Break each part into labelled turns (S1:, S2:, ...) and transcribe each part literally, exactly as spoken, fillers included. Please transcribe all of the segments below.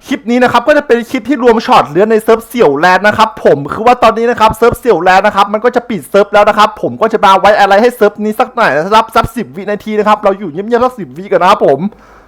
S1: คลิปนี้นะครับก็จะเป็นคลิปที่รวมช็อตเลือนในเซิร์ฟเสี่ยวแลนด์นะครับผมคือว่าตอนนี้นะครับเซิร์ฟเสี่ยวแลนด์นะครับมันก็จะปิดเซิร์ฟแล้วนะครับผมก็จะมาไว้อะไรให้เซิร์ฟนี้สักหน่อยนะครับสักสิบวินาทีนะครับเราอยู่เงียบๆสักสิบวิกันนะครับผม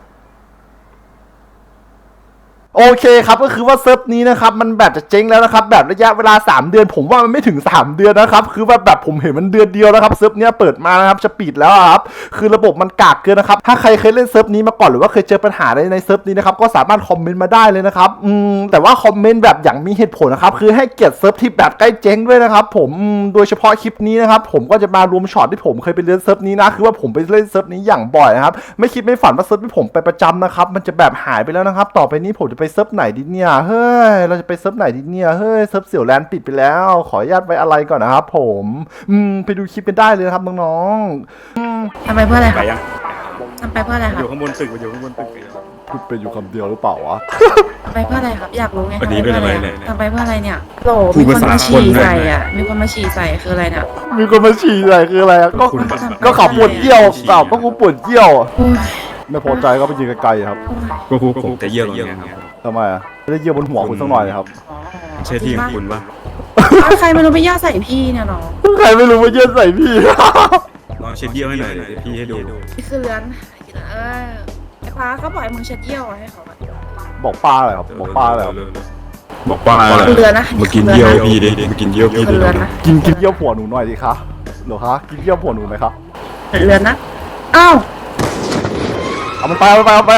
S1: โอเคครับก็คือว่าเซิร์ฟนี้นะครับมันแบบจะเจ๊งแล้วนะครับแบบระยะเวลาสามเดือนผมว่ามันไม่ถึงสามเดือนนะครับคือว่าแบบผมเห็นมันเดือนเดียวนะครับเซิร์ฟเนี้ยเปิดมานะครับจะปิดแล้วครับคือระบบมันกากเกินนะครับถ้าใครเคยเล่นเซิร์ฟนี้มาก่อนหรือว่าเคยเจอปัญหาอะไรในเซิร์ฟนี้นะครับก็สามารถคอมเมนต์มาได้เลยนะครับอืมแต่ว่าคอมเมนต์แบบอย่างมีเหตุผลนะครับคือให้เกียรติเซิร์ฟที่แบบใกล้เจ๊งด้วยนะครับผมโดยเฉพาะคลิปนี้นะครับผมก็จะมารวมช็อตที่ผมเคยไปเล่นเซิร์ฟนี้นะคือว่าผมไปเล่นเซิร์ฟนี้อย่างบ่อยนะครับไม่คิดไม่ฝันว่าเซิร์ฟที่ผมไปประจำนะครับมันจะแบบหายไปแล้วนะครับต่อไปนี้ผมจะไปเซิร์ฟไหนดีเนี่ยเฮ้ยเราจะไปเซิร์ฟไหนดีเนี่ยเฮ้ยเซิร์ฟเสี่ยวแลนด์ปิดไปแล้วขออนุญาตไว้อะไรก่อนนะครับผมอืมไปดูคลิปกันได้เลยครับน้องๆ
S2: ทำไปเพื่ออะไรค
S3: ไป
S2: รับ
S3: ยัง
S2: ทำไปเพื่ออะไรค
S3: อ
S2: รับ
S3: ยู่ข้างบนตึกอยู่ข้างบนตึก
S1: พูดไปอยู่คำเดียวหรือเปล่าวะ
S2: ทำไปเพื่ออะไรครับ อยากรู้ไง
S3: วันนี้เป็นอะไรเนี่ย
S2: ทำไปเพื่ออะไรเนี่ยโหล
S3: พู
S2: มี
S3: ด
S2: คน
S3: ภาษา
S2: มาฉี่
S3: คนด้วย
S2: ใส่อ่ะ มีคนมาฉี่ใส่คืออะไรเนี่ย
S1: มีคนมาฉี่ใส่คืออะไรอะก็
S3: คุณ
S1: ก็ขับปวดเยี่ยวเปล่าก็กูปวดเยี่ยว
S2: โอ้ย
S1: ไม่พอใจก็ไปยืนไกลๆครับ
S2: โอ้ย
S3: ก็คุกผมจะเยี่ยวตรงนี้ครับ
S1: ทำไมอ่ะไม่ได้เยี่ยวบนหัวคุณสักหน่อยนะครับ
S3: ใช่ที่ของคุณปะ
S2: เอาใครไม่รู้ไปย่าใส่พี่เนี่ยน้อง
S1: ใครไม่รู้มาเยี่ยวใส่พี่
S3: ลองเช็ดเยี่ยวให้หน่อยเดี๋ยวพี่ให้ดู
S2: นี่คือเรือนเออไอ้ฟ้าเขาบอกให้มึงเช็ดเยี่ยวอะให้เขาอะ
S1: บอกป้าอะไรครับบอกป้าอะไรครับ
S3: บอกป้าอะไร
S2: คือเรือนนะ
S3: มากินเยี่ยวพี่ดิมากินเยี่ยวพี่
S2: คื
S3: ดิ
S2: อเรือนนะ
S1: กินกินเยี่ยวผัวหนูหน่อยดิคะเหรอคะกินเยี่ยวผัวหนูไหมครับ
S2: เรือนนะอ้าว
S1: เอามันไปเอามันไปเอามันไป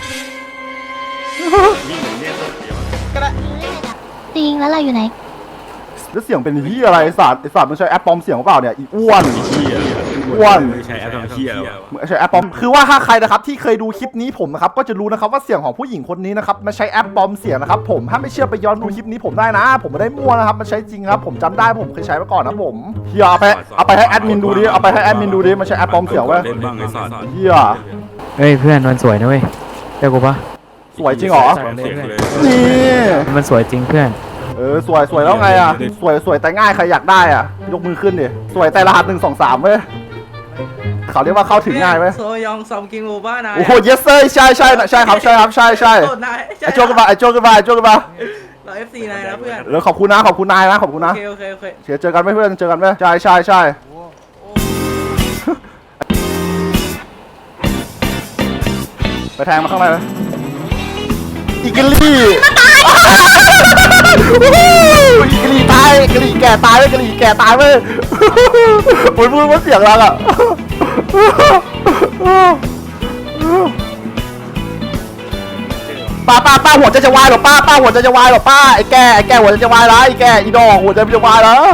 S4: จริงแล้วเราอยู่ไหน
S1: แล้วเสียงเป็นที่อะไรไอ้สัตว์ไอ้สัตว์มันใช้แอปปลอมเสียงหรือเปล่าเนี่ยอีอ้วน
S3: พี่อ่ะ
S1: อ้วน
S3: ไม่ใช่แอปทำเที่ยว
S1: ใช้แอปปลอมคือว่าถ้าใครนะครับที่เคยดูคลิปนี้ผมนะครับก็จะรู้นะครับว่าเสียงของผู้หญิงคนนี้นะครับมันใช้แอปปลอมเสียงนะครับผมถ้าไม่เชื่อไปย้อนดูคลิปนี้ผมได้นะ ผมไม่ได้มั่วนะครับมันใช้จริงครับผมจำได้ผมเคยใช้มาก่อนนะผมเฮียเอาไปเอาไปให้แอดมินดูดิเอาไปให้แอดมินดูดิมันใช้แอปปลอมเสียงไว้
S3: เล่นบ้างไอ้สัตว์
S1: เฮีย
S5: เฮ้ยเพื่อนมันสวยนะเว้ยเจ้ากูปะ
S1: สวยจริงเหรอ
S3: ความเสียงเลย
S1: นี่
S5: มันสวยจริงเพื่อน
S1: เออสวยสวยแล้วไงอ่ะสวยสวยแต่ง่ายใครอยากได้อ่ะยกมือขึ้นดิสวยแต่รหัสหนึ่งสองสามเว้ยเขาเรียกว่าเข้าถึงง่ายไหม
S6: โซยองซอมกิงโอบ้านาย
S1: โอ้โห yes sir ใช่ใช่ใช่ครับใช่ครับใช่ใช่
S6: โทษนาย
S1: ไอโจกันมาไอโจกันมาไอโจกันมา
S6: เราเอฟซีนายนะเพื่อน
S1: แล้วขอบคุณนะขอบคุณนายนะขอบคุณ
S6: โอ
S1: นะ
S6: เคโอเคโอเค
S1: เดี๋ยวเจอกันไหมเพื่อนเจอกันไหมใช่ใช่ใช่ไปแทงมาข้างในไหมอีกลี่อีกลี่ตายอีกลี่แก่ตายเลยอีกลี่แก่ตายเลยโอ้ยพูดว่าเสียงอะไรอ่ะป้าป้าป้าหัวใจจะวายหรอป้าป้าหัวใจจะวายหรอป้าไอ้แก่ไอ้แก่หัวใจจะวายแล้วไอ้แก่อีดอกหัวใจจะวายแล้ว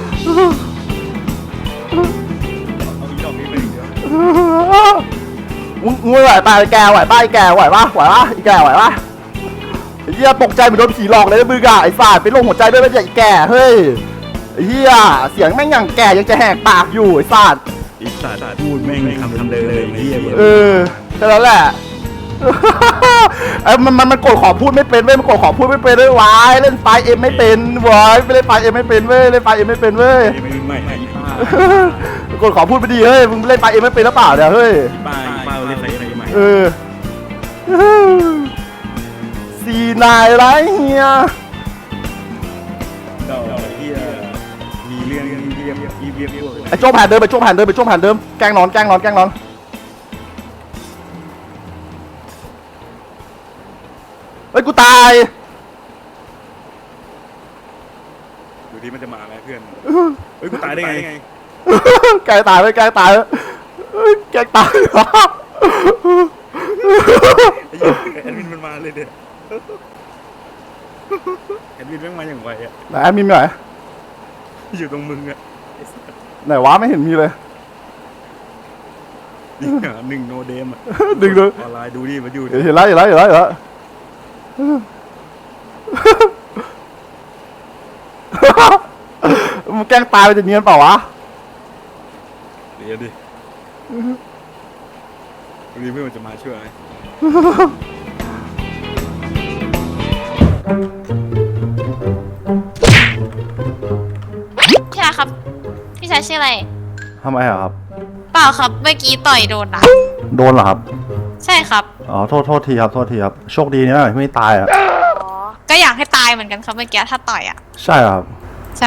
S1: มึงมึงไหวป่ะไอ้แก่ไหวป่ะไอ้แก่ไหวป่ะไหวป่ะไอ้แก่ไหวป่ะไอ้เหี้ยตกใจเหมือนโดนผีหลอกเลยนะมึงอะไอ้สาดเป็นโรคหัวใจด้วยไม่ใช่ไอ้แก่เฮ้ยไอ้เหี้ยเสียงแม่งอย่างแก่ยังจะแหกปากอยู่ไอ้สาด
S3: ไอ้สัตว์พูดแม่งคำคำเลยเลยเยี่ย
S1: เออแค่นั้นแหละไอ้มันมันมันกดขอพูดไม่เป็นเว้ยมันกดขอพูดไม่เป็นเว้ยวายเล่นไฟเอ็มไม่เป็นวายไม่เล่นไฟเอ็มไม่เป็นเว้ยเล่นไฟเอ็มไม่เป็นเว้ย
S3: ไม่ไม่ไม่ป้าก
S1: ดขอพูดไปดีเฮ้ยมึงเล่นไฟเอ็มไม่เป็นหรือเปล่าเนี่ยเฮ้ย
S3: ป้าป้าเล่นอะไรอะไรใหม่
S1: เออสี่นายไรเฮีย
S3: ดอกเยี่ยมีเรื่องเยี่ยมเยี่ยมเยี่ยมเยี่ยม
S1: ไอ้โจ้แผ่นเดิมไปโจ้แผ่นเดิมไปโจ้แผ่นเดิมแกล้งนอนแกล้งนอนแกล้งนอนเฮ้ยกูตาย
S3: ดูที่มันจะมาไหมเพื่อนเฮ้ยกูตายได้ไง
S1: แกล้งตายไปแกล้งตายเฮ้ยแกล้งตาย
S3: ไอ้เหี้ยแอดมินมันมาเลยเด็ดแอดมินแม่งมาอย่างไวอ่ะ
S1: ไหนแอดมินไหน
S3: อยู่ตรงมึงอ่ะ
S1: ไหนวะไม่เห็นมีเลย
S3: นี่หนึ่งโนเดมอ่ะ
S1: ดึงดู
S3: ออนไลน์ดูดิมาอยู่
S1: เห็นแล้วเห็นแล้วเห็นแล้วเห็นแล้วมึงแกล้งตายไปจะเนียนเปล่าวะ
S3: เดี๋ยวดิวันนี้เพื่อนมันจะมาช่วยไหม
S4: พี่ชายครับ พี่ชายชื่ออะไร
S1: ทำไมอะครับ
S4: เปล่าครับ เมื่อกี้ต่อยโดนนะ
S1: โดนเหรอครับ
S4: ใช่ครับ
S1: อ๋อโทษโทษทีครับโทษทีครับโชคดีนะไม่ตายอ่ะ
S4: ก็อยากให้ตายเหมือนกันครับเมื่อกี้ถ้าต่อยอ่ะ
S1: ใช่ครับ
S4: ใช่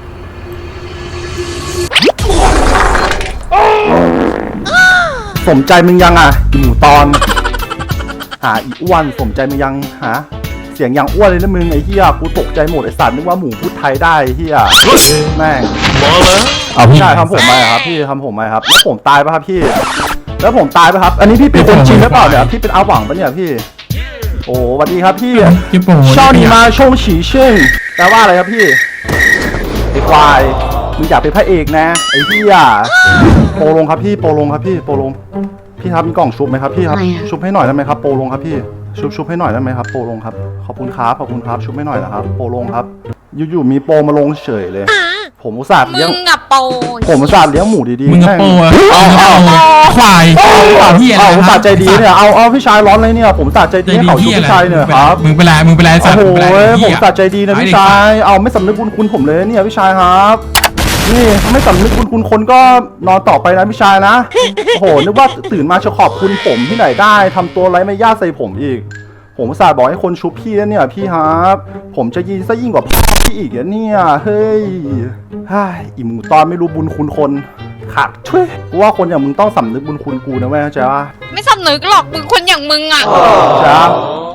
S1: สมใจมึงยังอ่ะอีหมูตอนหาอีอ้วนสมใจมึงยังหาเสียงยังอ้วนเลยนะมึงไอ้เหี้ยกูตกใจหมดไอ้สัตว์นึกว่าหมูพูดไทยได้ไอ้เหี้ยแม่ง
S5: เอาพี่
S1: ใช่ทำผมไหมครับพี่ทำผมไหมครับแล้วผมตายปะครับพี่ แล้วผมตายปะครับ อันนี้พี่เป็นคนจริงหรือเปล่าเนี่ยพี่เป็นอาหวังปะเนี่ยพี่ โอ้สวัสดีครับพี่
S5: พี่ปู่
S1: ชอบหนีมาชงฉีเชิงแปลว่าอะไรครับพี่ไอ้ควายมึงอยากเป็นพระเอกนะไอ้พี่อ่ะโปรลงครับพี่โปรลงครับพี่โปรลงพี่ครับมีกล่องชุบไหมครับพี่ครับชุบให้หน่อยได้ไหมครับโปรลงครับพี่ชุบชุบให้หน่อยได้ไหมครับโปรลงครับขอบคุณครับขอบคุณครับชุบให้หน่อยนะครับโปรลงครับอยู่ๆมีโปรมาลงเฉยเลย ผมอุตส่าห์
S4: มึ
S1: เลี้ยง
S4: งกับโป
S1: ผมอุตส่าห์เลี้ยงหมูดีๆ
S7: มึงกับโปอะ
S1: เอาเอา
S7: ควาย
S1: เอาเอา
S7: เหี้ยอะไร
S1: เอาผม
S7: ค
S1: สา
S7: รับ
S1: ใจดีเนี่ยเอาเอาพี่ชายร้อนเลยเนี่ยผมสาใจดีให้เขาชุบพี่ชายเนี่ยครับ
S7: มึงเป็นไรมึงเป็นไรสัตว์
S1: โอ้
S7: มึง
S1: โห
S7: เป็นไร
S1: ผ
S7: เหี้
S1: ม
S7: ย
S1: สะใจดีนะพี่ชาย เอาไม่สำนึกบุญคุณผมเลยเนี่ยพี่ชายครับ นี่ถ้าไม่สำนึกบุญคุณคนก็นอนต่อไปนะพี่ชายนะ โอ้โหนึกว่าตื่นมาจะขอบคุณผมที่ไหนได้ทำตัวไร้ไม่ย่าใส่ผมอีก ผมอุตส่าห์บอกให้คนชุบพี่แล้วเนี่ยพี่ครับ ผมจะยินซะยิ่งกว่าพ่อพี่อีกอะเนี่ยเฮ้ยฮ่าอีหมูตอนไม่รู้บุญคุณคนขาดช่วยกูว่าคนอย่างมึงต้องสำนึกบุญคุณกูนะเว้ยเข้าใจปะ
S4: ไม่สำนึกหรอกมึงคนอย่างมึงอ่ะ
S1: จ้า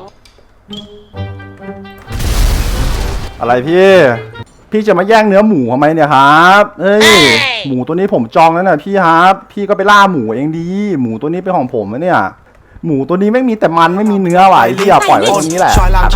S1: อะไรพี่ พี่จะมาแย่งเนื้อหมูทำไมเนี่ยครับเอ้ย หมูตัวนี้ผมจองแล้วนะพี่ครับ พี่ก็ไปล่าหมูเองดี หมูตัวนี้เป็นของผมนะเนี่ย หมูตัวนี้ไม่มีแต่มันไม่มีเนื้อไหวพี่อย่าปล่อยไว้ตรงนี้แหละ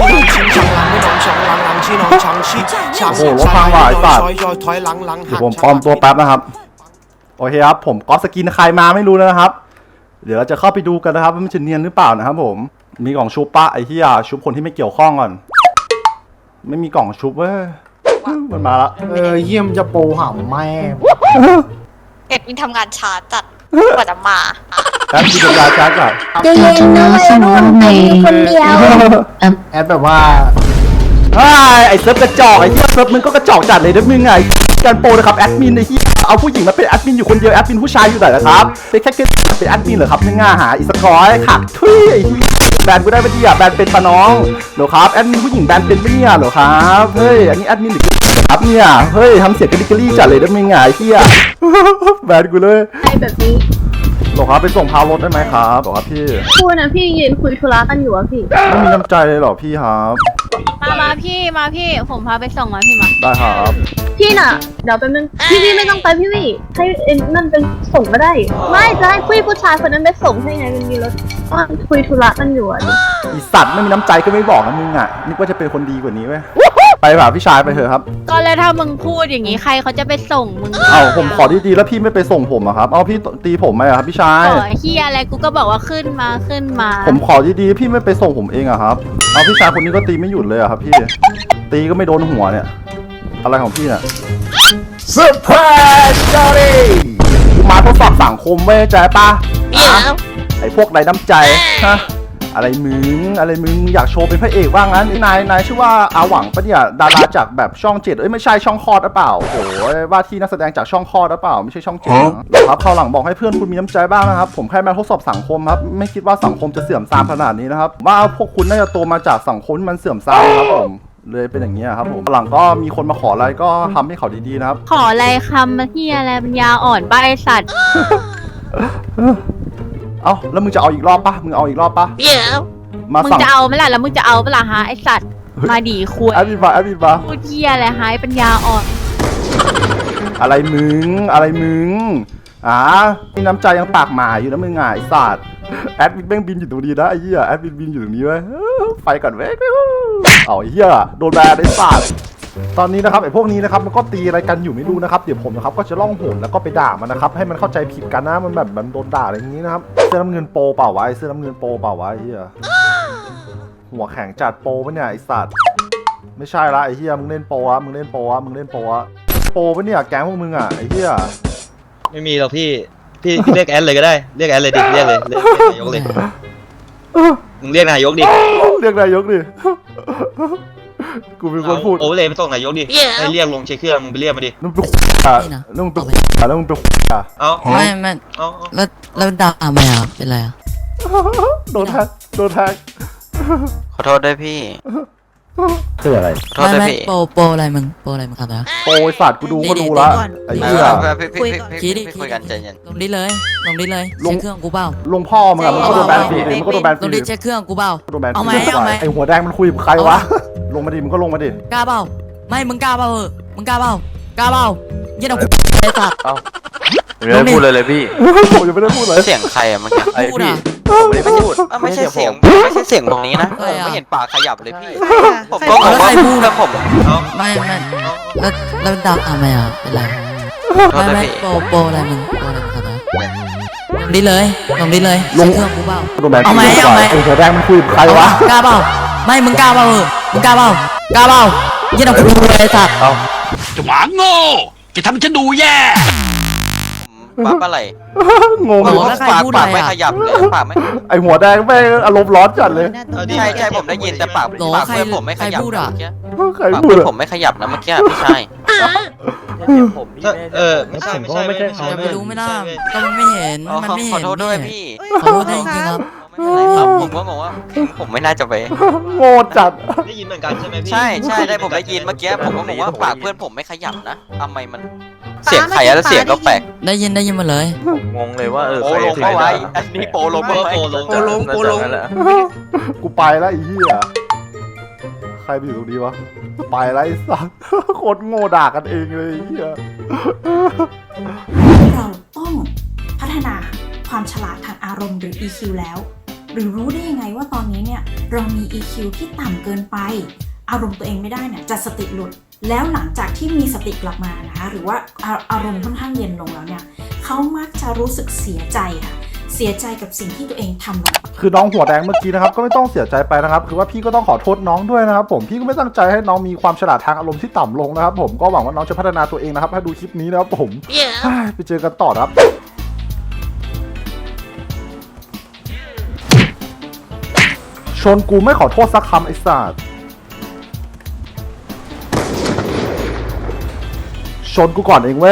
S1: โอ้โหรถพังว่ะไอ้สัตว์ เดี๋ยวผมปลอมตัวแป๊บนะครับ โอเคครับ ผมก๊อปสกินใครมาไม่รู้นะครับ เดี๋ยวเราจะเข้าไปดูกันนะครับว่ามันจะเนียนหรือเปล่านะครับผม มีกล่องชุบปะไอ้เหี้ยชุบคนที่ไม่เกี่ยวข้องก่อน ไม่มีกล่องชุบเว้ยมันมาละ
S8: เออเยี่ยมจะโปหำแม่
S4: เอ็ดมินทำงานช้าจัดกว่าจะมา
S1: แป๊บมีเวลาจ้าก่อน
S9: ใจเย็นนะวัยรุ่นแต่อยู่คนเดียว
S8: แอดแบบว่า
S1: ไอ้ไอ้เซิร์ฟกระจอกไอ้เหี้ยเซิร์ฟมึงก็กระจอกจัดเลยนะมึงไงการโปรนะครับแอดมินไอ้เหี้ยเอาผู้หญิงมาเป็นแอดมินอยู่คนเดียวแอดมินผู้ชายอยู่ไหนล่ะครับเป็นแค่เป็นแอดมินเหรอครับไม่ง่าหาอีสกอยขัดทุยไอ้เหี้ยแบนกูได้ปะเนี่ยแบนเป็นปะน้องเหรอครับแอดมินผู้หญิงแบนเป็นปะเนี่ยเหรอครับเฮ้ยอันนี้แอดมินหรือครับเนี่ยเฮ้ยทำเสียงกระดิกกระลี่จัดเลยนะมึงไงไอ้เหี้ยแบนกูเลย
S9: ไอแบบนี้
S1: เหรอครับไปส่งพาวรถได้ไหมครับเหรอครับพี่
S9: พูดนะพี่ยืนคุยธุระกันอยู่อะพี่
S1: ไม่มีน้ำใจเลยเหรอพี่ครับ
S4: มามาพี่มาพี่ผมพาไปส่งมาพี่มา
S1: ได้ครับ
S9: พี่น่ะ เดี๋ยวแป๊บนึงพี่พี่ไม่ต้องไปพี่วี่ให้เอ็นนั่นเป็นส่งก็ได้ ไม่จะให้ผู้ผู้ชายคนนั้นไปส่งให้ไงมันมีรถว่าคุยธุระกันอยู่อะดิ
S1: อีสัตว์ไม่มีน้ำใจก็ไม่บอกนะมึงอ่ะนึกว่าจะเป็นคนดีกว่านี้เว้ยไปป่ะพี่ชายไปเถอะครับ
S4: ก็เลยถ้ามึงพูดอย่างนี้ใครเขาจะไปส่งมึง
S1: เอาผมขอดีๆแล้วพี่ไม่ไปส่งผมอะครับเอาพี่ตีผมไหมอะครับพี่ชาย
S4: ขอเฮียอะไรกูก็บอกว่าขึ้นมาขึ้นมา
S1: ผมขอดีๆพี่ไม่ไปส่งผมเองอะครับเอาพี่ชายคนนี้ก็ตีไม่หยุดเลยอะครับพี่ตีก็ไม่โดนหัวเนี่ยอะไรของพี่เนี่ยเซอร์ไพรส์จอรี่มาทดสอบสังคมเว้ยใจปะ
S4: เดี๋ยว
S1: ไอ้พวกไร้น้ำใจฮะอะไรมึงอะไรมึงอยากโชว์เป็นพระเอกว่างั้นนายนายชื่อว่าอาหวังปะเนี่ยดาราจากแบบช่องเจ็ดเอ้ยไม่ใช่ช่องคลอดหรือเปล่าโอ้โหว่าที่นักแสดงจากช่องคลอดหรือเปล่าไม่ใช่ช่องเจ็ดนะครับคราวหลังบอกให้เพื่อนคุณมีน้ำใจบ้างนะครับผมแค่มาทดสอบสังคมครับไม่คิดว่าสังคมจะเสื่อมทรามขนาดนี้นะครับว่าพวกคุณน่าจะโตมาจากสังคมที่มันเสื่อมทรามครับผมเลยเป็นอย่างนี้ยครับผมหลังก็มีคนมาขออะไรก็ทำให้เขาดีๆนะครับ
S4: ขออะไรคำเฮียอะไรปัญญาอ่อนใบสัตว์
S1: เอ้าแล้วมึงจะเอาอีกรอบปะมึงเอาอีกรอบปะ
S4: เดี๋ยว
S1: มา
S4: มึง
S1: สั่ง
S4: จะเอาไหมล่ะแล้วมึงจะเอาเปล่าฮะไอสัตว์มาดีคุย
S1: แอดมินมาแอดมินมา
S4: พูดเฮียอะไรหายปัญญาอ่อน
S1: อะไรมึงอะไรมึงอ่ามีน้ำใจยังปากหมาอยู่นะมึงอ่ะไอ้สัตว์แอดมินแม่งบินอยู่ตรงนี้นะไอ้เหี้ยแอดมินบินอยู่ตรงนี้เว้ยไปก่อนเว้ยเอาไอ้เหี้ยโดนแบนไอ้สัตว์ตอนนี้นะครับไอ้พวกนี้นะครับมันก็ตีอะไรกันอยู่ไม่รู้นะครับเดี๋ยวผมนะครับก็จะล่องหนแล้วก็ไปด่ามันนะครับให้มันเข้าใจผิดกันนะมันแบบมันโดนด่าอะไรอย่างนี้นะครับเสื้อน้ำเงินโปรเปล่าวะไอ้เสื้อน้ำเงินโปรเปล่าวะไอ้เหี้ยหัวแข็งจัดโปรปะเนี่ยไอ้สัตว์ไม่ใช่ละไอ้เหี้ยมึงเล่นโปรอะมึงเล่นโปรอะมึงเล่นโปรอะโปรปะเนี่ยแก๊งพวกมึงอ่ะไอ้เหี้ย
S10: ไม่มีหรอกพี่ พี่เรียกแอนเลยก็ได้ เรียกแอนเลยดิ เรียกเลย เรียกนายกเลย มึงเรียกนายกดิ
S1: เรียกนายกดิ กูเป็นคนพูด
S10: โอเวอร์เลยไปส่งนายกดิ ให้เรียกลงเช็คเครื่องมึงไปเรียกมาดิ
S1: นึกเป็นอ่ะนึกเป็นอ่ะแล้วมึงเป็นอ่ะ
S10: เอา
S11: ไม่ไม่
S10: เอาเอา
S11: แล้วแล้วด่าทำไมอ่ะเป็นไรอ่ะ
S1: โดนแทงโดนแทง
S11: ขอโทษด้วยพี่
S1: คืออะไร
S11: ไม่ไม่โปรโปรอะไรมึงโปรอะไรมึงครับนะ
S1: โปรไอ้สัตว์กูดูก็รู้ละไอ้เหี้ย
S10: พี่พี่พี่
S11: คิดดิ
S10: พี่คุยกันใจเย็น
S11: ลงดิเลยลงดิเลย
S1: ลง
S11: เช็คเครื่องกูเปล่า
S1: ลงพ่อมึงอะมึงก็โดนแบนฟรีเลยมึงก็โดนแบนฟ
S11: ล
S1: รี
S11: ง
S1: เล
S11: ดิ
S1: ย
S11: เช็คเครื่องกูเปล่า
S1: โดนแบนฟรี
S11: เอาไหม
S1: เลย
S11: เอาไหม
S1: ไอ้หัวแดงมันคุยกับใครวะลงมาดิมึงก็ลงมาดิ
S11: กล้าเปล่าไม่มึงกล้าเปล่าเออมึงกล้าเปล่ากล้าเปล่าเย็นเอากูไอ้สัตว์
S10: ไม่ได้พูดเลยเลยพี่
S1: ผมยังไม่ได้พูดเลย
S10: เสียงใครอะเมื่อกี้
S11: พูดอ่ะ
S10: ผมไม่ได้พูดไม่ใช่เสียงไม่ใช่เสียงตรงนี้นะ
S11: ใครอะ
S10: ไม่เห็นปากขยับเลยพี่ ผม
S4: ใคร
S10: ก็
S4: อะ
S10: บอกว่าแล้วผม
S11: ไม่ไม่แล้วแล้วดาวทำไมอ่ะเป็นไร
S10: โทษ
S11: ไม่
S10: นะ
S11: ไม่
S10: พี่
S11: โปรโปรอะไรมึงโปรอะไรมึงครับนะลงดิเลยลงดิเลยเช็คเครื่องกูเปล่า
S1: โดนแบนฟรี
S11: เอาไหม
S1: เลย
S11: เอาไหม
S1: ไอ้หัวแดงมันคุยกับใครวะ
S11: กล้าเปล่าไม่มึงกล้าเปล่าเออมึงกล้าเปล่ากล้าเปล่าเย็นเอากูไอ้สัตว์
S7: จะหมาโง่จะทำให้ฉันดูแย่
S10: ผมปั๊บอะไร
S1: งง
S11: โอ้
S1: เลย
S11: โห แล้วใคร
S10: ปาก
S11: พูด
S10: ปาก
S11: อะไร
S10: ไม่
S11: อะ
S10: ขยับเลยปากไม่
S1: ไอ้หัวแดงแม่งอารมณ์ร้อนจัดเลย
S10: ใช่ใช่ผมได้ยินแต่ปาก
S11: โหล
S10: ปาก
S11: ใคร
S10: เพื่อนผมไม่ขยับ
S11: ใครพูดอะ
S10: เมื่อกี้
S1: ใคร
S10: ปาก
S1: พูด
S10: เพื่อน
S1: อะ
S10: ผมไม่ขยับนะเมื่อกี้พี่ชายเออไม่ใช่ไม่ใช่ไม่ใช่
S11: อย่าไปรู้ไม่ได้ก็มันไม่เห็น
S10: อ๋อ
S11: มันไม่
S10: ข
S11: เห็
S10: อน โทษด้วยพี่
S11: ขอโทษด้วยจริงๆครับ
S10: ไม่เป็นไรครับผมก็บอกว่าผมไม่น่าจะไป
S1: โง่จัด
S10: ได้ยินเหมือนกันใช่ไหมพี่ใช่ใช่ได้ผมได้ยินเมื่อกี้ผมก็บอกว่าปากเพื่อนผมไม่ขยับนะทำไมมันเสียงใครอะแล้วเสียงก็แปลก
S11: ได้ยินได้ยินหมาเลย
S10: งงเลยว่าเออโปลงเข้าไว้อันนี้โปลงเข้าไว้
S6: โปลงโปลง
S1: กูไปแล้วไอ้เหี้ยใครไปอยู่ตรงนี้วะไปแล้วไอ้สัส โคตรโง่ด่ากันเองเลยไอ้เหี้ย
S12: เราต้องพัฒนาความฉลาดทางอารมณ์หรือ อี คิว แล้ว หรือรู้ได้ยังไงว่าตอนนี้เนี่ยเรามี อี คิว ที่ต่ำเกินไป อารมณ์ตัวเองไม่ได้เนี่ยจะสติหลุด แล้วหลังจากที่มีสติกลับมานะคะหรือว่าอาอารมณ์ค่อนข้างเย็นลงแล้วเนี่ยเขามักจะรู้สึกเสียใจค่ะเสียใจกับสิ่งที่ตัวเองทำลงไป
S1: คือน้องหัวแดงเมื่อกี้นะครับก็ไม่ต้องเสียใจไปนะครับคือว่าพี่ก็ต้องขอโทษน้องด้วยนะครับผมพี่ก็ไม่ตั้งใจให้น้องมีความฉลาดทางอารมณ์ที่ต่ำลงนะครับผมก็หวังว่าน้องจะพัฒนาตัวเองนะครับให้ดูคลิปนี้นะครับผมเฮ้ยไปเจอกันต่อนะครับชนกูไม่ขอโทษสักคำไอ้สัสชนกูก่อนเองเว้ย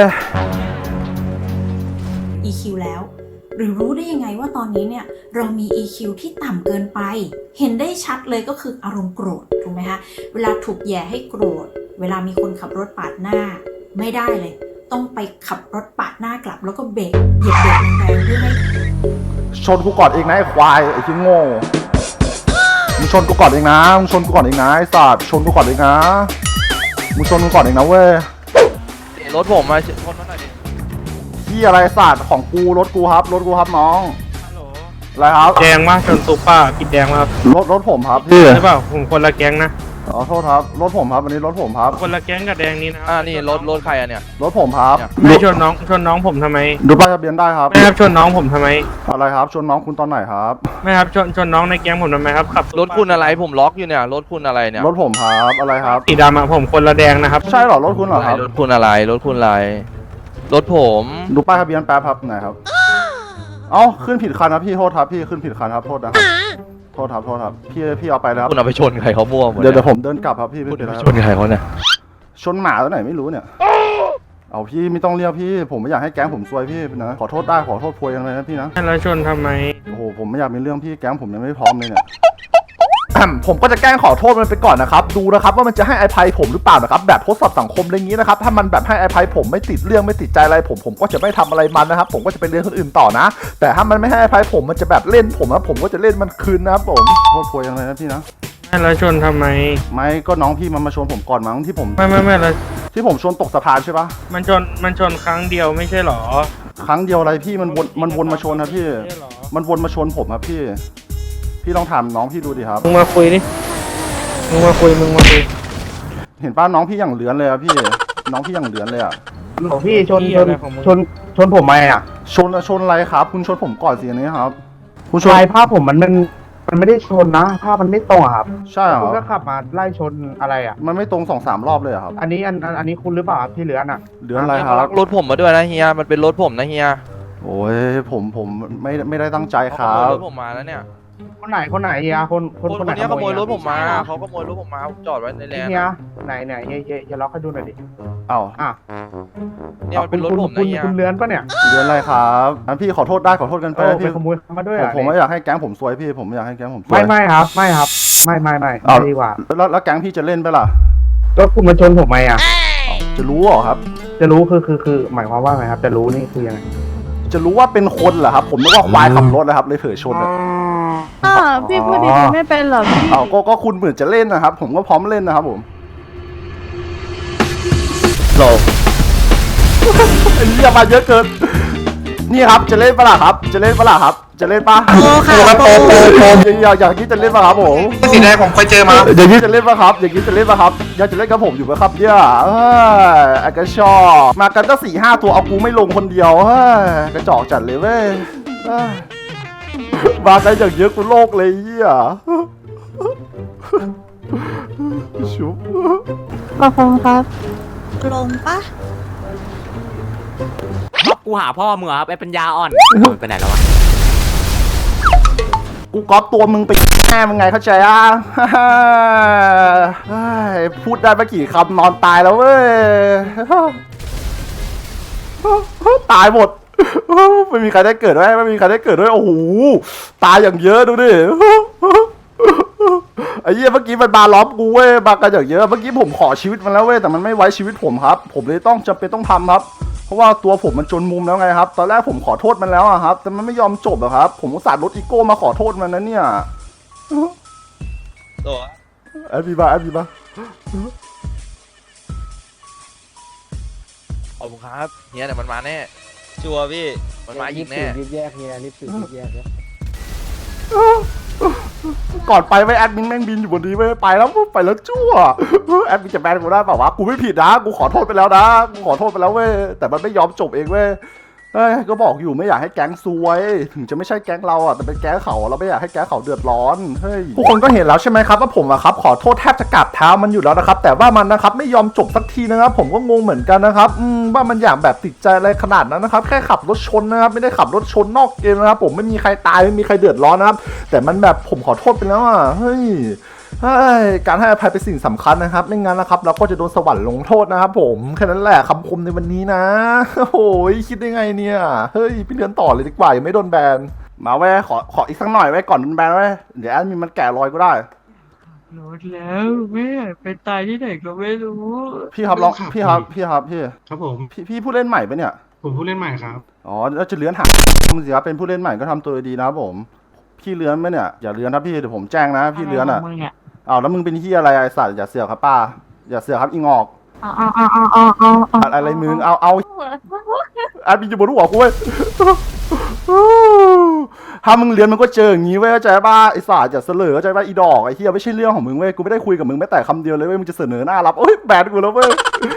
S12: อี คิว แล้ว หรือรู้ได้ยังไงว่าตอนนี้เนี่ยเรามี อี คิว ที่ต่ำเกินไป เห็นได้ชัดเลยก็คืออารมณ์โกรธถูกไหมคะเวลาถูกแย่ให้โกรธเวลามีคนขับรถปาดหน้าไม่ได้เลย ต้องไปขับรถปาดหน้ากลับแล้วก็เบรกเหยียบเบรกแรงๆเพื่อให้
S1: ชนกูก่อนเองนะไอ้ควายไอ้ที่โง่มึงชนกูก่อนเองนะมึงชนกูก่อนเองนะไอ้สัตว์ชนกูก่อนเองนะมึงชนกูก่อนเองนะเว้ย
S10: รถผมมาชนมาหน่อยดิ
S1: ที่อะไรศาสตร์ของกูรถกูครับรถกูครับน้องอะไรครับ
S7: แดงมากจนซุปป้ากินแดงมาก
S1: รถรถผมครับ
S7: ใช่เปล่าผมคนละแก๊งนะ
S1: ขอโทษครับรถผมครับวันนี้รถผมครับ
S7: คนละแก๊งกับแดงนี้นะ
S10: อ่านี่รถรถใครอะเนี่ย
S1: รถผมครับ
S7: ไม่ชนน้องชนน้องผมทำไม
S1: ดูป้ายทะเบียนได้ครับ
S7: ไม่ครับชนน้องผมทำไม
S1: อะไรครับชนน้องคุณตอนไหนครับ
S7: ไม่ครับชนชนน้องในแก๊งผมทำไมครับขับ
S10: รถคุณอะไรผมล็อกอยู่เนี่ยรถคุณอะไรเนี่ย
S1: รถผมครับอะไรครับ
S7: สีดำอะผมคนละแดงนะครับ
S1: ใช่เหรอรถคุณเหรอครับ
S10: รถคุณอะไรรถคุณอะไรรถผม
S1: ดูป้ายทะเบียนแป๊บครับไหนครับเอ้าขึ้นผิดคันครับพี่โทษครับพี่ขึ้นผิดคันครับโทษนะครับโทษครับโทษครับพี่พี่เอาไปแล้วครับ
S10: คุณเอาไปชนใครเขามั่วหมด
S1: เดี๋ยวเดี๋ยวผมเดินกลับครับพี่ไม่
S10: คุณ
S1: เป็นไร
S10: ไป
S1: ค
S10: ช
S1: รับ
S10: นใครเขาเนี่ย
S1: ชนหมาตัวไหนไม่รู้เนี่ย เอาพี่ไม่ต้องเรียกพี่ ผมไม่อยากให้แก๊งผมซวยพี่นะ ขอโทษได้ขอโทษพวยกันเลยนะพี่นะ
S7: แล้วชนทำไม
S1: โอ้โหผมไม่อยากมีเรื่องพี่แก๊งผมยังไม่พร้อมเลยเนี่ย ผมก็จะแกล้งขอโทษมันไปก่อนนะครับ ดูนะครับว่ามันจะให้อภัยผมหรือเปล่านะครับ แบบทดสอบสังคมอะไรอย่างนี้นะครับ ถ้ามันแบบให้อภัยผมไม่ติดเรื่องไม่ติดใจอะไรผมผมก็จะไม่ทำอะไรมันนะครับ ผมก็จะไปเรียนคนอื่นต่อนะ แต่ถ้ามันไม่ให้อภัยผมมันจะแบบเล่นผมนะผมก็จะเล่นมันคืนนะครับผมโทษพวยยังไงนะพี่นะ
S7: แล้วชนทำไม
S1: ไม่ก็น้องพี่มันมาชนผมก่อนมั้งที่ผม
S7: ไม่ไม่ไม่แล้ว
S1: ที่ผมชนตกสะพานใช่ปะ
S7: มันชนมันชนครั้งเดียวไม่ใช่หรอ
S1: ครั้งเดียวอะไรพี่มันวนมันวนมาชนครับพี่
S7: ไม่ใช่หรอ
S1: มันวนมาชนผมครับพี่ พี่ลองถามน้องพี่ดูดิครับ
S7: มึงมาคุยดิมึงมาคุยมึงมาคุย
S1: เห็นป้าน้องพี่อย่างเหลือนเลยอะพี่ น้องพี่อย่างเหลือนเลยอะ
S8: ของพี่ชน
S7: เหี้
S8: ช
S7: ย
S8: น
S7: อะไรของมึง
S8: ชนชนผมไหมอ่ะ
S1: ชนชนอะไรครับ คุณชนผมก่อนสิอันนี้ครับ คุณชน
S8: ลายภาพผมมันมันมันไม่ได้ชนนะภาพมันไม่ตรงอะครับ
S1: ใช่เหร
S8: คุณ
S1: อ
S8: ก็ขับมาไล่ชนอะไรอ่ะ
S1: มันไม่ตรงสองสามรอบเลยอะครับ
S8: อันนี้อันอันอันนี้คุณหรือเปล่าครับที่เหลือน่ะ
S1: เหลือนอะไรครับ
S10: รถผมมาด้วยนะเฮียมันเป็นรถผมนะเฮีย
S1: โอ้ยผมผมไม่ไม่ได้ตั้งใจค
S10: เขา
S1: รั
S10: ขโมย
S1: บ
S10: รถผมมาแล้วเนี่ย
S8: คนไหนคนไหนเฮียคนค
S10: คน น
S8: คนไหน
S10: นี้ขโมยรถ
S8: อะ
S10: ผมมาเขาขโมยรถผมมาผมจอดไว้ในแลนด์
S8: เฮียไหนไหนเฮียเฮียเฮียล็อกให้ดูหน่อยดิ
S1: เอ้า
S8: อ่ะ
S10: เนี่ยมันเป็นรถ
S8: คุณ
S10: ผม
S8: คุ
S10: นะ
S8: ณ
S10: เฮีย
S8: คุณเลื้อนปะเนี่ย
S1: เหลือนอะไรครับงั้นพี่ขอโทษได้ขอโทษกันไป
S8: เออ
S1: นะ
S8: ไป
S1: พี่
S8: ขโมยมาด้วย
S1: ผม
S8: อ่ะ
S1: ผมไม่อยากให้แก๊งผมซวยพี่ ผมไม่อยากให้แก๊งผมซวย
S8: ไม่ไม่ครับไม่ครับไม่ไม่ไม่
S1: อ้าว
S8: ไม่ดีกว่า
S1: แล้วแล้วแก๊งพี่จะเล่นไหมล่ะ
S8: ก็คุณมาชนผมไหมอ่ะ
S1: อ้าวจะรู้เหรอครับ
S8: จะรู้คือคือคือหมายความว่าไงครับ จะรู้นี่คือยังไง
S1: จะรู้ว่าเป็นคนเหรอครับ ผมนึกว่าควายขับรถนะครับเลยเผลอชนอะ
S9: อ่าพี่พูดดีๆไม่เป็นเหรอพี่
S1: อ้าวก็ก็คุณเหมือนจะเล่นนะครับ ผมก็พร้อมเล่นนะครับผม
S10: โหล
S1: ไอ้เหี้ยมาเยอะเกิน นี่ครับจะเล่นปะล่ะครับ จะเล่นปะล่ะครับ จะเล่นปะ
S9: โอ้ค่ะโอ้
S1: อยากอยากที่จะเล่นปะครับผม
S8: สีแดงผมเคยเจอมา
S1: อย่างนี้จะเล่นปะครับ อย่างนี้จะเล่นปะครับอยากจะเล่นกับผมอยู่ไหมครับเนี่ยเอ้ยไอ้กระชอกมากันตั้งสี่ห้าตัวเอากูไม่ลงคนเดียวเฮ้ยกระจอกจัดเลยเว้ยเอ้ยมากันอย่างเยอะกูโลกเลยเหี้ยชุบ
S9: ขอบคุณครับ
S4: ลงปะ
S5: ท็อปกูหาพ่อมึงเหรอครับไอ้ปัญญาอ่อนไปไหนแล้ววะ
S1: กูก๊อปตัวมึงไปแม่มึงไงเข้าใจอ่ะ เฮ้ยพูดได้ไม่กี่คำนอนตายแล้วเว้ย ตายหมด ไม่มีใครได้เกิดด้วยไม่มีใครได้เกิดด้วยโอ้โหตายอย่างเยอะดูดิ ไอ้เหี้ยเมื่อกี้มันมาล้อมกูเว้ยมากันอย่างเยอะเมื่อกี้ผมขอชีวิตมันแล้วเว้ยแต่มันไม่ไว้ชีวิตผมครับ ผมเลยต้องจำเป็นต้องทำครับ เพราะว่าตัวผมมันจนมุมแล้วไงครับ ตอนแรกผมขอโทษมันแล้วอะครับ แต่มันไม่ยอมจบอะครับ ผมอุตส่าห์ลดอีโก้มาขอโทษมันนะเนี่ย
S10: โหล
S1: แอดบีบาแอดบีบา
S13: ขอบคุณครับเฮียเดี๋ยวมันมาแน่
S10: ชัวร์พี่
S13: มันมาอีกแน่
S8: รีบแยกเฮียรีบสืบรีบแยกเลย
S1: ก่อนไปไว้แอดมินแม่งบินอยู่บนนี้ไว้ไปแล้วไปแล้วชั่วแอดมินจะแบนกูได้เปล่าวะกูไม่ผิดนะกูขอโทษไปแล้วนะกูขอโทษไปแล้วเว้ยแต่มันไม่ยอมจบเองเว้ยเฮ้ยก็บอกอยู่ไม่อยากให้แก๊งซวยถึงจะไม่ใช่แก๊งเราอ่ะแต่เป็นแก๊งเขาเราไม่อยากให้แก๊งเขาเดือดร้อนเฮ้ยทุกคนก็เห็นแล้วใช่ไหมครับว่าผมอะครับขอโทษแทบจะกราบเท้ามันอยู่แล้วนะครับแต่ว่ามันนะครับไม่ยอมจบสักทีนะครับผมก็งงเหมือนกันนะครับอืมว่ามันอยากแบบติดใจอะไรขนาดนั้นนะครับแค่ขับรถชนนะครับไม่ได้ขับรถชนนอกเกมนะครับผมไม่มีใครตายไม่มีใครเดือดร้อนนะครับแต่มันแบบผมขอโทษไปแล้วอ่ะเฮ้ยเฮ้ยการให้อภัยเป็นสิ่งสำคัญนะครับไม่งั้นนะครับเราก็จะโดนสวรรค์ลงโทษนะครับผมแค่นั้นแหละคำคมในวันนี้นะโอ้ยคิดได้ไงเนี่ยเฮ้ยพี่เรียนต่อเลยดีกว่ายังไม่โดนแบนมาแว่ขอขออีกสักหน่อยไว้ก่อนโดนแบนไว้เดี๋ยวแอดมินมันแก่รอยก็ได้
S7: รถแล้วแม่ไปตายที่ไหนก็ไม่รู้
S1: พี่ครับลองพี่ครับพี่ครับพี่
S8: ครับผม
S1: พี่พี่ผู้เล่นใหม่ปะเนี่ย
S8: ผมผู้เล่นใหม่ครับ
S1: อ๋อแล้วจะเลื้อนหามึงสิครับเป็นผู้เล่นใหม่ก็ทำตัวดีนะครับผมพี่เลื้อนไหมเนี่ยอย่าเลื้อนนะพี่เดี๋ยวผมแจ้งนะพี่เลื้อนอ่ะอ้าวแล้วมึงเป็นที่อะไรไอ้สัตว์อย่าเสือกครับป้าอย่าเสือกครับอีงอก
S9: เอาเอาเอาเอาเอาเอาเอา
S1: อะไรมึงเอาเอาอาบินอยู่บนหัวกูเว้ยถ้ามึงเรียนมันก็เจออย่างงี้เว้ยเข้าใจป่ะไอ้สาอย่าเสลอเข้าใจป่ะอีดอกไอ้เหี้ยไม่ใช่เรื่องของมึงเว้ยกูไม่ได้คุยกับมึงแม้แต่คำเดียวเลยเว้ยมึงจะเสนอหน้ารับโอ๊ยแบนกูแล้วเว้ย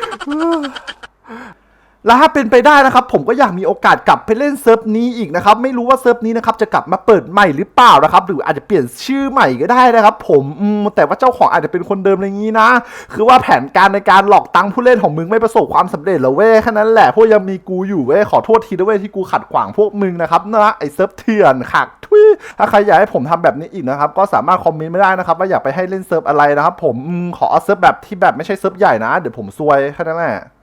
S1: แล้วถ้าเป็นไปได้นะครับผมก็อยากมีโอกาสกลับไปเล่นเซิร์ฟนี้อีกนะครับไม่รู้ว่าเซิร์ฟนี้นะครับจะกลับมาเปิดใหม่หรือเปล่านะครับหรืออาจจะเปลี่ยนชื่อใหม่ก็ได้นะครับผมอืมแต่ว่าเจ้าของอาจจะเป็นคนเดิมอะไรอย่างนี้นะคือว่าแผนการในการหลอกตังค์ผู้เล่นของมึงไม่ประสบความสำเร็จหรอเว้ยแค่นั้นแหละพวกยังมีกูอยู่เว้ยขอโทษทีด้วยเว้ยที่กูขัดขวางพวกมึงนะครับนะไอ้เซิร์ฟเถื่อนขักทุยถ้าใครอยากให้ผมทำแบบนี้อีกนะครับก็สามารถคอมเมนต์ไม่ได้นะครับว่าอยากไปให้เล่นเซิร์ฟอะไรนะครับผมอืมขอเอาเซิร์ฟแบบที่แบบไม่ใช่เซิร์ฟใหญ่นะเดี๋ยวผมซวยแค่นั้นแหละ